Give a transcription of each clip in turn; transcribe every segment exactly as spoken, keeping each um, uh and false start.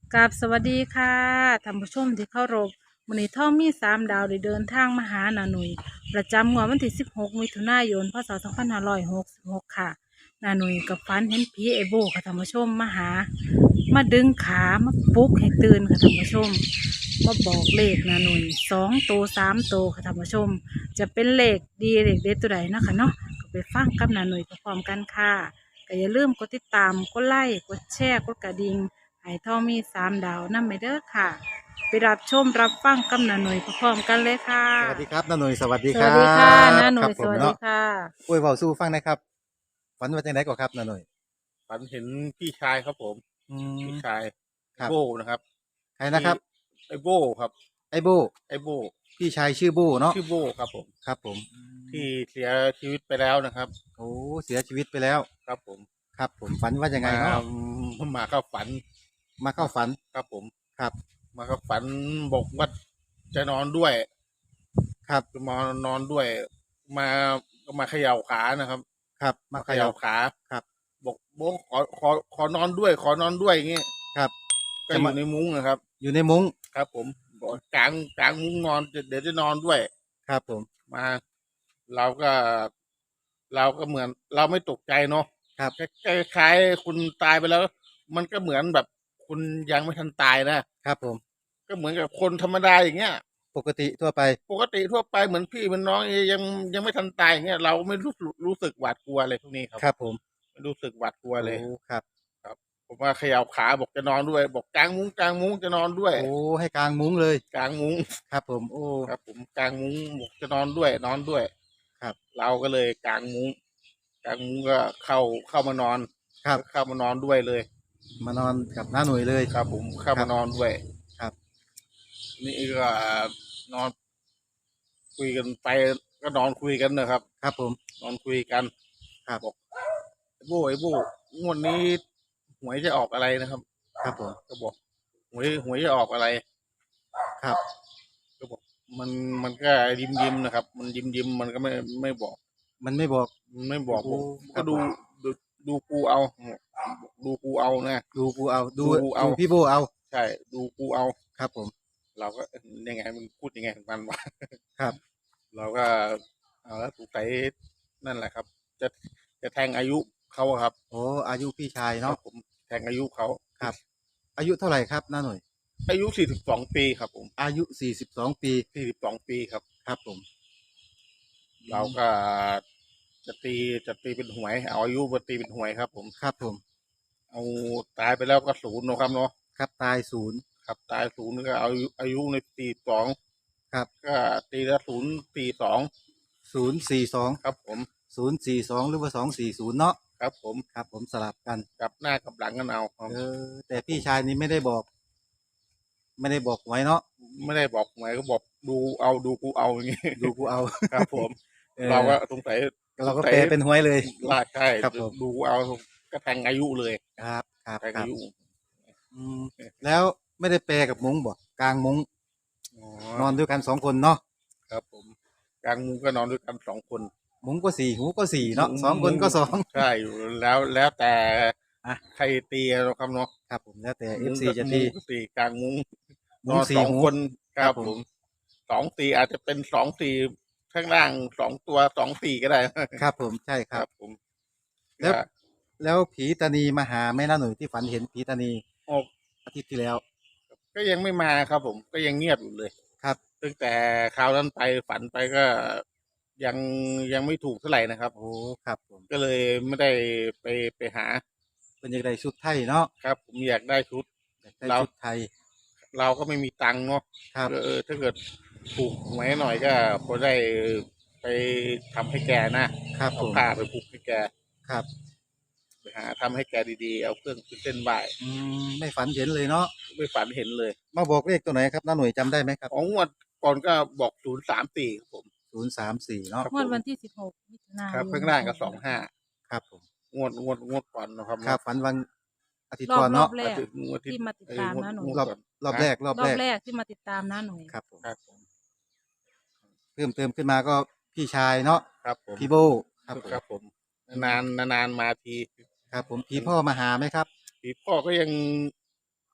กับสวัสดีค่ะท่านผู้ชมที่เคารพมื้อนี้ท่องมีสามดาวได้เดินทางมาหานาหนุ่ยประจำงวดวันที่สิบหกมิถุนายนพศสองพันห้าร้อยหกสิบหกค่ะนาหนุ่ยกับฝันเห็นผีไอโบค่ะท่านผู้ชมมาหามาดึงขามาปลุกให้ตื่นค่ะท่านผู้ชมมาบอกเลขนาหนุ่ยสองโตวสามโตวค่ะท่านผู้ชมจะเป็นเลขดีเลขเด็ดตัวใดเนาะคะเนาะก็ไปฟังกับนาหนุ่ยพร้อมๆกันค่ะก็อย่าลืมกดติดตามกดไลค์กดแชร์กดกระดิ่ง ไห่ทองมีสามดาวนำไปเด้อค่ะไปรับชมรับฟังกำนันหน่อยพร้อมๆกันเลยค่ะสวัสดีครับน้าหน่ยสวัสดีสครัวัสดีค่ะบน้าหน่ครับอยสวัสดีผมเนาะค่ะอวยเว้าสู้ฟังหนะครับฝันว่าจังไดก่อนครับน้าหน่ยฝันเห็นพี่ชายครับผมอืพี่มชายคไอรับโบนะครับใครนะคที่รับไอโบครับไอ้โบ้ไอโบพี่ชายชื่อโบ้เนาะชื่อโบครับผมครับผมอืที่มเสียชีวิตไปแล้วนะครับโอ้เสียชีวิตไปแล้วครับผมครับผมฝันว่ายังไงมาเนาะมาเข้าฝันมาเข้ามาฝันครับผมครับมาเข้าฝันบอกว่าจะนอนด้วยครับจะมานอนด้วย มาก็มาเขย่าขานะครับครับมามาเขย่าเขย่าขาครับบอกโบขอขอขอนอนด้วย ขอนอนด้วยอย่างเงี้ยครับก็จะมาอยู่ในมุ้งนะครับอยู่ในมุ้งครับผมบอกกลางกลางมุ้งนอนเดี๋ยวจะนอนด้วยครับผมมาเราก็เราก็เหมือนเราไม่ตกใจเนาะครับคล้ายๆคุณตายไปแล้ว มันก็เหมือนแบบคุณยังไม่ทันตายนะครับผมก็เหมือนกับคนธรรมดาอย่างเงี้ยปกติทั่วไปปกติทั่วไปเหมือนพี่เหมันน้องยังยังไม่ทันตายอย่างเงี้ยเราไม่รู้สึกรู้สึกหวาดกลัวอะไรพวกนี้ครับครับผมไม่รู้สึกหวาดกลัวโอ้เลยครับครับผมว่าเขย่าขาบอกจะนอนด้วย บอกกลางมุ้งกลางมุ้งจะนอนด้วยโอ้ให้กลางมุ้งเลยกลางมุ้งครับผมโอ้ครับผมกางมุ้งบอกจะนอนด้วยนอนด้วยครับเราก็เลยกางมุ้งกางมุ้งก็เข้าเข้ามานอนครับเข้ามานอนด้วยเลยมานอนกับน้าหน่ยเลยครับผมเข้าครัมาบนอนด้วยครับนี่ก็นอนคุยกันไปก็นอนคุยกันนะครับครับผมนอนคุยกันครับบอกไอ้โบ้ไอ้โบ้งวดนี้หวยจะออกอะไรนะครับครับผมก็บอกหวยหวยจะออกอะไรครับก็บอกมันมันก็ยิ้มยิ้มนะครับ มันยิ้มยิ้มมันก็ไม่ไม่บอกมันไม่บอกไม่บอกโอ้ผมครัก็ดูบผมดูดูกูเอาดูกูเอานะดูกูเอาดูดูเอาดูพี่โบเอาใช่ดูกูเอาครับผมเราก็เอ๊ะยังไงมันพูดยังไงของมันวะครับเราก็เอาแล้วถูกใส่นั่นแหละครับ จะจะแทงอายุเขาอะครับโอ้อายุพี่ชายครัเนาะบผมแทงอายุเขาครับ อายุเท่าไหร่ครับน้าหน่อยอายุสี่สิบสองปีครับผมอายุสี่สิบสองปีสี่สิบสองปีครับครับผมเราก็จะตีจะตีเป็นหวยเอาอายุมาตีเป็นหวยครับผมครับผมเอาตายไปแล้วก็ศูนย์เนอะครับเนาะครับตายศูนย์ครับตายศูนย์ก็เอาอายุอายุในตีสองครับก็ตีละศูนย์ตีสองศูนย์สี่สองครับผมศูนย์สี่สองหรือว่าสองสี่ศูนย์เนาะครับผมครับผมสลับกันกลับหน้ากับหลังกันเอาครับเออแต่พี่ชายนี้ไม่ได้บอก ไม่ได้บอกไว้เนาะไม่ได้บอกหมายก็บอกดูเอาดูกูเอาอย่างงี้ดูกูเอาครับผมเออเราก็สงสัยเราก็แปลเป็นหวยเลยลากใช่ครับผมดูกูเอาก็แทงอายุเลยครับครับแทงครัอาบยุอืมแล้วไม่ได้แปลกับมุ้งบอกกลางมุ้งอ๋นออนด้วยกันสองคนเนาะครับผมกลางมุ้งก็นอนด้วยกันสองคนมุ้งก็สี่หูก็สี่เนาะสองคนก็สองใช่อยู่แล้วแล้วแต่อ่ะใครตีเราครับเนาะครับผมแล้วแต่เอมุ้ฟงซีก็จะมุ้ตีงก็ตีกลางมุ้งมุ้นงอนสี่สองหูคนคครัรับบ ผมผมสองตีอาจจะเป็นสองตีข้างล่างสองตัวสองตีก็ได้ครับผมใช่คครัรับบผมแล้วก็แล้วผีตานีมาหาแม่น้าหนุ่ยที่ฝันเห็นผีตานีโอ้อาทิตย์ที่แล้วก็ยังไม่มาครับผมก็ยังเงียบอยู่เลยครับตั้งแต่คราวนั้นไปฝันไปก็ยังยังไม่ถูกเท่าไหร่นะครับโอ้ครับผมก็เลยไม่ได้ไปไปหาเป็นยังไงชุดไทยเนาะครับ ผมอยากได้ชุดอยากได้เราชุดไทยเราก็ไม่มีตังค์เนาะครับเออถ้าเกิดถูกหวยหน่อยก็พอได้ไปทำให้แกนะครับผเอามผ้าไปผูกให้แกครับไปหาทำให้แกดีๆเอาเครื่องขึ้นเส้นไหว้อืมไม่ฝันเห็นเลยเนาะไม่ฝันเห็นเลยมาบอกเลขตัวไหนครับน้าหนุ่ยจำได้ไหมครับของงวดก่อนก็บอกศูนย์สามสี่ครับผมศูนย์สามสี่เนาะครับงวดวันที่สิบหกมิถุนายนครับข้างล่างก็สองห้าครับผมงวดงวดงวดก่อนนะครับครับฝันวันอาทิตย์รอบก่อนรอเนาะบแรกงวดที่ที่มาติดตามนะหนูรอบรอบแรกรอบรอแรบกแรกที่มาติดตามนะหน่อยครับผมครับผมเพิ่มเติมขึ้นมาก็พี่ชายเนาะครับผมพี่โบครับผมครับผมนานนานๆมาทีครับผมพี่พ่อมาหาไหมครับพี่พ่อก็ยัง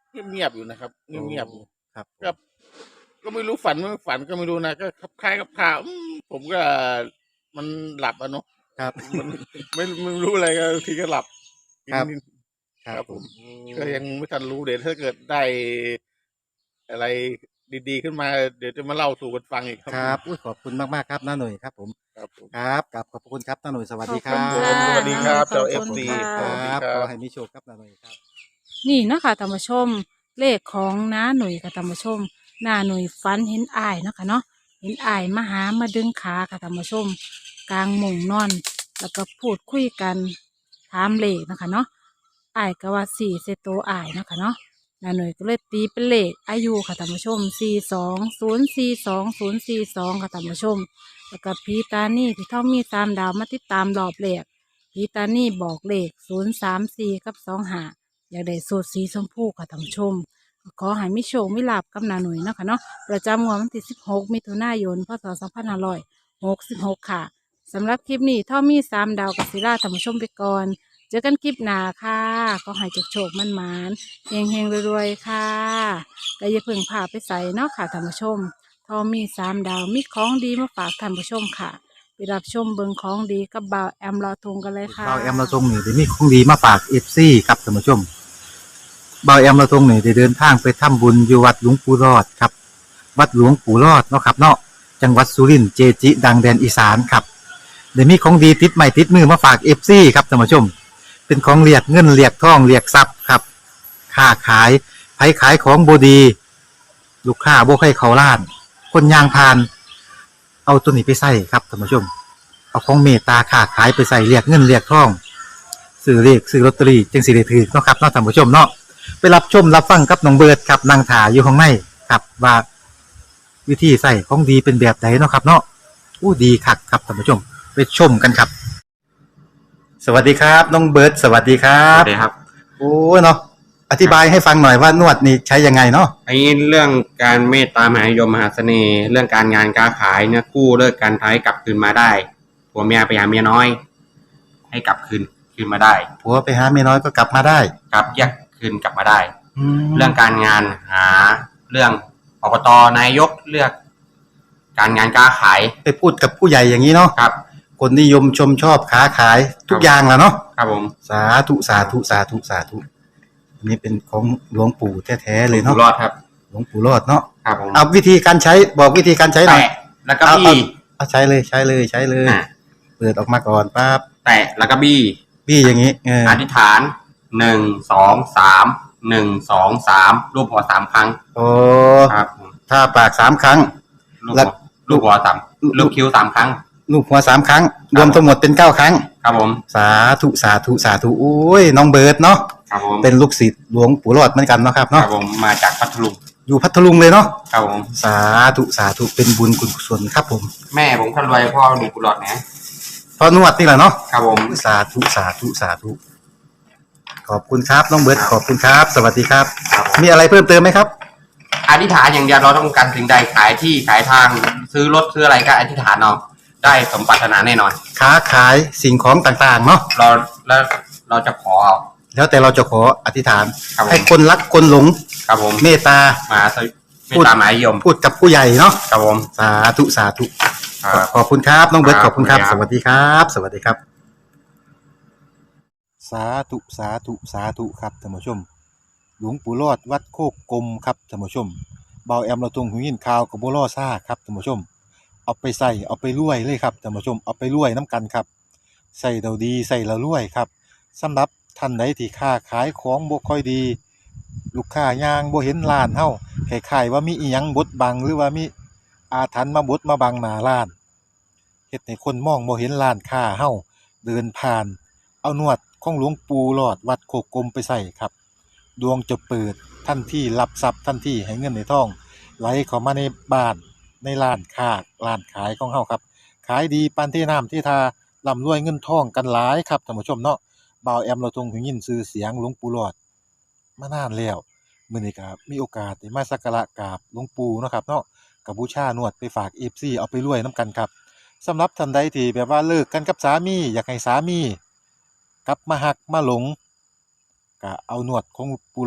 เงียบๆอยู่นะครับเงียบๆอยู่ครับก็ก็ไม่รู้ฝันไม่ฝันก็ไม่รู้นะก็คลับคล้ายคลับคลาอืมผมก็มันหลับอะเนาะครับมันไม่ไม่รู้อะไรก็บางทีก็หลับครับนิดครัครับ บผผม มก็ยังไม่ทันรู้เดี๋ยวถ้าเกิดได้อะไรดีๆขึ้นมา เดี๋ยวจะมาเล่าสู่กันฟังอีกครับครับอุ้ยขอบคุณมากๆครับน้าหน่ยครับผมครับผมครับกราบขอบพระคุณครับน้าหน่ยสวัสดีคขรัอบบคุณผมค่ะสวัสดีครับน้าหน่อยเจ้าขอบคุณเอฟซีค่ะสวัสดีครับครัขอบ ให้มีโชคครับน้าหน่ยครับนี่เนาะคะท่านผู้ชม เลขของน้าหนุ่ยค่ะท่านผู้ชมน้าหนุ่ยฝันเห็นอ้ายเนาะค่ะเนาะเห็นอ้ายมาหามาดึงขาค่ะท่านผู้ชม กลางมุงนอน แล้วก็พูดคุยกันถามเลขเนาะคะเนาะอ้ายก็ว่าสี่เซโตวอ้ายเนาะค่ะเนาะน้าหนุ่ยก็เลยตีเป็นเลขอายุค่ะท่านผู้ชมสี่สองศูนย์สี่สองศูนย์สี่สองค่ะท่านผู้ชม แล้วก็พีตานี่ที่เท่ามีสามดาวมาติดตามรอบเลขพีตานี่บอกเลขศูนย์สามสี่กับสองหา อยากได้สูตรสีชมพูค่ะท่านผู้ชมก็ขอให้มิโชคมิลาบกับนาหนุ่ยเนาะค่ะเนาะประจำงวดวันที่สิบหกมิถุนายนพศสองพันห้าร้อยหกสิบหกค่ะสำหรับคลิปนี้ถ้ามีสามดาวกับศิลาท่านผู้ชมไปก่อนเจอกันคลิปหน้าค่ะก็ให้โชคๆมันมานๆเฮงเฮงๆรวยๆค่ะก็อย่าเพิ่งพาไปใส่เนาะค่ะท่านผู้ชมถ้ามีสามดาวมีของดีมาฝากท่านผู้ชมค่ะไปรับชมเบิงของดีกับบ่าวแอมลอทงกันเลยค่ะเบาแอมเราทรงนี่ได้มีของดีมาฝากเอฟซีครับท่านผู้ชมเบาแอมเราทรงนี่ได้เดินทางไปทำบุญอยู่วัดหลวงปู่รอดครับ วัดหลวงปู่รอดเนาะครับเนาะจังหวัดสุรินทร์เจจิ ดังแดนอีสานครับเดี๋ยวมีของดีติดใหม่ติดมือมาฝากเอฟซีครับท่านผู้ชม เป็นของเรียกเงินเรียกทองเรียกทรัพย์ครับค้าขายไผขายของบดี ลูกค้าบ่ให้เขาล้าน คนยางพาน เอาตัวนี้ไปใส่ครับท่านผู้ชม เอาของเมตตาค้าขายไปใส่เรียกเงินเรียกทองซื้อเรียกซื้อลอตเตอรี่จึงสิได้ถือเนาะครับเนาะท่านผู้ชมเนาะไปรับชมรับฟังกับน้องเบิร์ดครับนางถาอยู่ข้างในครับว่าวิธีใส่ของดีเป็นแบบไหนเนาะครับ เนาะอู้ดีคักครับท่านผู้ชม ไปชมกันครับ สวัสดีครับน้องเบิร์ดสวัสดีครัครับ บสวัสดีครับโอ้เนาะอธิบายให้ฟังหน่อยว่านวดนี่ใช้ยังไงเนาะไอ้เรื่องการเมตตามหานิยมมหาเสน่ห์ เรื่องการงานการขายเนี่ยกู้เลิกการท้ายกลับคืนมาได้ผัวเมียไปหาเมียน้อย ให้กลับคืนคืนมาได้ผัวไปหาเมียน้อยก็กลับมาได้กลับแยกคืนกลับมาได้แล้เรื่วองการงานหาเรื่องอบตนายกเลือก การงานการขายไปพูดกับผู้ใหญ่อย่างนี้เนาะครับคนนิยมชมชอบค้าขายทุกอย่างแหล้วเนาะครับผมสาธุสาธุสาธุสาธุอันนี้เป็นของหลวงปู่แท้ๆเลยอยู่เนาะรอดครับหลวงปู่รอดเนาะครับผมเอาวิธีการใช้บอกวิธีการใช้หน่อยแตะแล้วก็เอาบี้เอาใช้เลยใช้เลยใช้เลยอ่ะเปิดออกมาก่อนปั๊บแตะแล้วก็บี้พี่อย่างนี้เอออธิษฐานหนึ่งสองสามหนึ่งสองสามรูปหัวสามครั้งโอ้ครับผมถ้าปากสามครั้งลูกแล้หัววลูกหัวสามลูกคิ้วสามครั้งลูกหัวสามครั้ง รวมทั้งหมดเป็นเก้าครั้งครับผมสาธุสาธุสาธุโอ้ยน้องเบิร์ดเนาะครับผมเป็นลูกศิษย์หลวงปู่รอดเหมือนกันเนาะครับครัเนาะบผมมาจากพัทลุงอยู่พัทลุงเลยเนาะครับผมสาธุสาธุเป็นบุญกุศลครับผมแม่ผมคนรวยพ่อหนุ่มกุหลาบนะพอนวดนี่แหละเนาะครับผมสาธุสาธุสาธุขอบคุณครับน้องเบิร์ดขอบคุณครับ สวัสดีครับครับผมมีอะไรเพิ่มเติมไหมครับอธิษฐานอย่างเดียวเราต้องการสิ่งใดขายที่ขายทางซื้อรถซื้ออะไรก็อธิษฐานเอาได้สมปรารถนาแน่นอนค้าขายสิ่งของต่างๆเนาะเราแล้วเราจะขอเอาแล้วแต่เราจะขออธิษฐานครับผมให้คนรักคนหลงครับผมเมตตามาสวิไม่ตามหมายยมพูดกับผู้ใหญ่เนาะครับผมสาธุสาธุครับขอบคุณครับน้องเบิร์ตคขรับอบคุณครับขอบสคุณครับวัสดีครับ สวัสดีครับ สาธุสาธุสาธุครับท่านผู้ชม หลวงปู่รอดวัดโคกกลมครับท่านผู้ชมเบาแอมเราตรงหูยินข่าวกับบัวล่อซ่าครับท่านผู้ชม เอาไปใส่เอาไปรวยเลยครับท่านผู้ชมเอาไปรวยน้ำกันครับใส่เราดีใส่เรารวยครับสำหรับท่านใดที่ค้าขายของบ่ค่อยดี ลูกค้ายางบ่เห็นร้านเฮาคล้ายๆว่ามีอีหยังบดบังหรือว่ามีอาถรรพ์มาบดมาบังหน้าร้านเฮ็ดให้คนมองบ่เห็นร้านค้าเฮาเดินผ่าน เอานวดของหลวงปู่หลอดวัดโคกกลมไปใส่ครับ ดวงจะเปิดทันทีรับทรัพย์ทันทีให้เงินในทอง ไหลเข้ามาในบ้านในร้านค้าร้านขายของเฮาครับ ขายดีปานที่น้ำที่ทาร่ำรวยเงินทองกันหลายครับท่านผู้ชมเนาะบ่าวแอมเราทรงถึงยินชื่อเสียงหลวงปู่หลอดมานานแล้วมื้อนี้ก็มีโอกาสได้มาสักการะกราบหลวงปู่เนาะครับเนาะก็บูชานวดไปฝาก เอฟ ซี เอาไปรวยนํกันครับสำหรับท่านใดที่แบบว่าเลิกกันกับสามีอยากให้สามีกลับมาฮักมาหลงก็เอานวดของปู่หลอดไป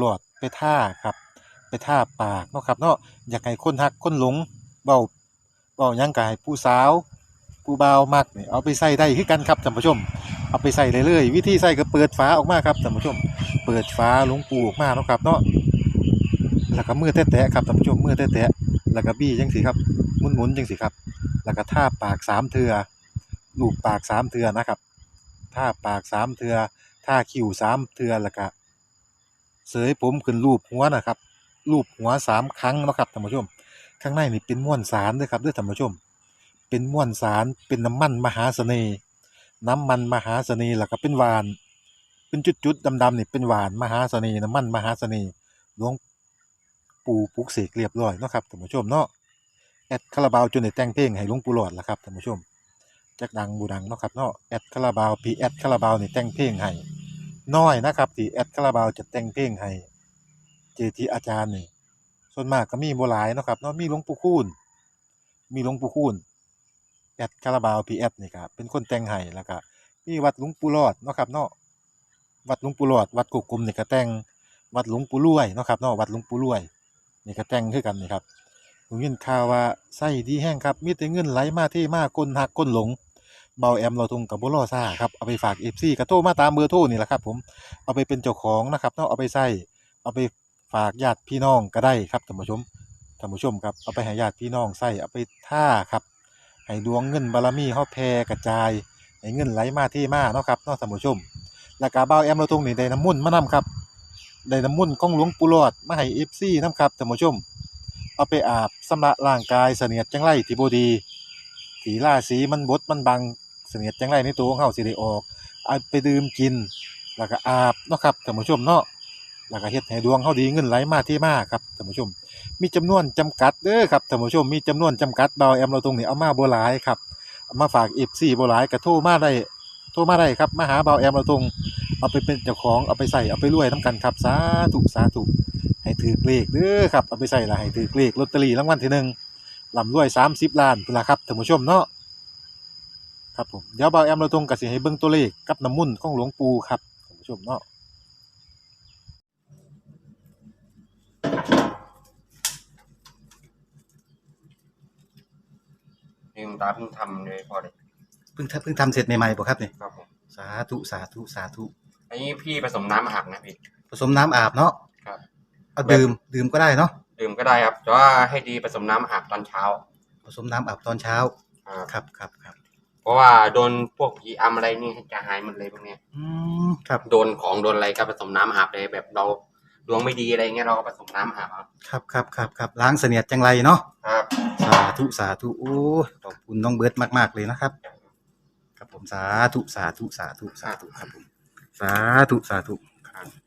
ไปท่าครับไปท่าปากเนาะครับเนาะอยากให้คนฮักคนหลงเว้าเว้าหยังก็ให้ผู้สาวผู้บ่าวมักนี่เอาไปใส่ได้คือกันครับท่านผู้ชมเอาไปใส่ได้เลยวิธีใส่ก็เปิดฝาออกมาครับท่านผู้ชมเปิดฝาหลวงปู่ออกมาเนาะครับเนาะแล้วก็มือแตะๆครับท่านผู้ชมมือแตะๆแล้วก็บี้จังซี่ครับหมุนๆจังซี่ครับแล้วก็ท่าปากสามเทื่อลูบปากสามเทื่อนะครับท่าปากสามเทื่อท่าคิ้วสามเทื่อแล้วก็เสยผมขึ้นรูปหัวนะครับรูปหัวสามครั้งเนาะครับท่านผู้ชมข้างในนี่เป็นม้วนสารเด้อครับเด้อท่านผู้ชมเป็นม้วนสารเป็นน้ำมันมหาเสน่ห์น้ำมันมหาเสน่ห์แล้วก็เป็นหวานเป็นจุดๆดำๆนี่เป็นหวานมหาเสน่ห์น้ำมันมหาเสน่ห์หลวงปู่ปลุกเสกเรียบร้อยเนาะครับท่านผู้ชมเนาะแอดคาราบาวจนได้แต่งเพลงให้หลวงปู่หลอดล่ะครับท่านผู้ชมจักดังบ่ดังเนาะครับเนาะแอดคาราบาวพี่แอดคาราบาวนี่แต่งเพลงให้น้อยนะครับที่แอดคาราบาวจะแต่งเพลงให้เจจิอาจารย์นี่ส่วนมากก็มีบ่หลายเนาะครับเนาะมีหลวงปู่คูณมีหลวงปู่คูณแอดคาราบาวพี่แอดนี่ก็เป็นคนแต่งให้แล้วก็มีวัดหลวงปู่หลอดเนาะครับเนาะวัดหลวงปู่หลอดวัดโกกกลมนี่ก็แต่งวัดหลวงปู่รวยเนาะครับเนาะวัดหลวงปู่รวยนี่ก็แต่งคือกันนี่ครับผมยินข่าวว่าไส้ดีแห้งครับมีแต่เงินไหลมาเทมาคนหักคนหลงเบาแอมเราทุงกับบ่รอซ่าครับเอาไปฝาก เอฟ ซี ก็โทรมาตามเบอร์โทรนี่แหละครับผมเอาไปเป็นเจ้าของนะครับเนาะเอาไปใช้เอาไปฝากญาติพี่น้องก็ได้ครับท่านผู้ชมท่านผู้ชมครับเอาไปให้ญาติพี่น้องใช้เอาไปท่าครับให้ดวงเงินบารมีเฮาแผ่กระจายให้เงินไหลมาเทมาเนาะครับเนาะท่านผู้ชมแล้วก็เบาแอมเราทุงนี่ได้น้ำมุ่นต์มานํครับได้น้ำมุ่นต์ของหลวงปู่หลอดมาให้ เอฟ ซี นํครับท่านผู้ชมเอาไปอาบชำระร่างกายเสนียดจังไรที่บ่ดีที่ราศีมันบดมันบังเสนียดจังไรในตัวของเฮาสิได้ออกเอาไปดื่มกินแล้วก็อาบเนาะครับท่านผู้ชมเนาะแล้วก็เฮ็ดให้ดวงเฮาดีเงินไหลมาเทมาครับท่านผู้ชมมีจำนวนจำกัดเด้อครับท่านผู้ชมมีจำนวนจำกัดเบาแอมเราตรงนี้เอามาบ่หลายครับเอามาฝาก เอฟ ซี บ่หลายก็โทรมาได้โทรมาได้ครับมาหาเบาแอมเราตรงเอาไปเป็นเจ้าของเอาไปใส่เอาไปรวยนํกันครับสาธุสาธุให้ถือเลขเด้อครับเอาไปใส่ละให้ถือเลขลอตเตอรี่รางวัลที่หนึ่งร่ำรวยสามสิบล้านพุ่นล่ะครับท่านผู้ชมเนาะครับผมเดี๋ยวเบาแอมเราตรงก็สิให้เบิ่งตัวเลขกับน้ำมุ่นต์ของหลวงปู่ครับท่านผู้ชมเนาะลืมตาเพิ่งทำเลยพอเลยเพิ่งทำเพิ่งทำเสร็จใหม่ๆบ่ครับนี่ครับผมสาธุสาธุสาธุอันนี้พี่ผสมน้ำอาบนะพี่ผสมน้ำอาบเนาะครับเอาดื่มดื่มก็ได้เนาะดื่มก็ได้ครับแต่ว่าให้ดีผสมน้ำอาบตอนเช้าผสมน้ำอาบตอนเช้าครับครับครับครับเพราะว่าโดนพวกผีอำอะไรนี่จะหายหมดเลยพวกเนี้ยอืมครับโดนของโดนอะไรก็ผสมน้ำอาบเลยแบบเราดวงไม่ดีอะไรเงี้ยเราก็ผสมน้ำอาบเอาครับครับครับครับล้างเสนียดจังไรเนาะครับสาธุสาธุโอ้ยขอบคุณน้องเบิร์ดมากๆเลยนะครับครับผมสาธุสาธุสาธุสาธุครับผมสาธุสาธุครับ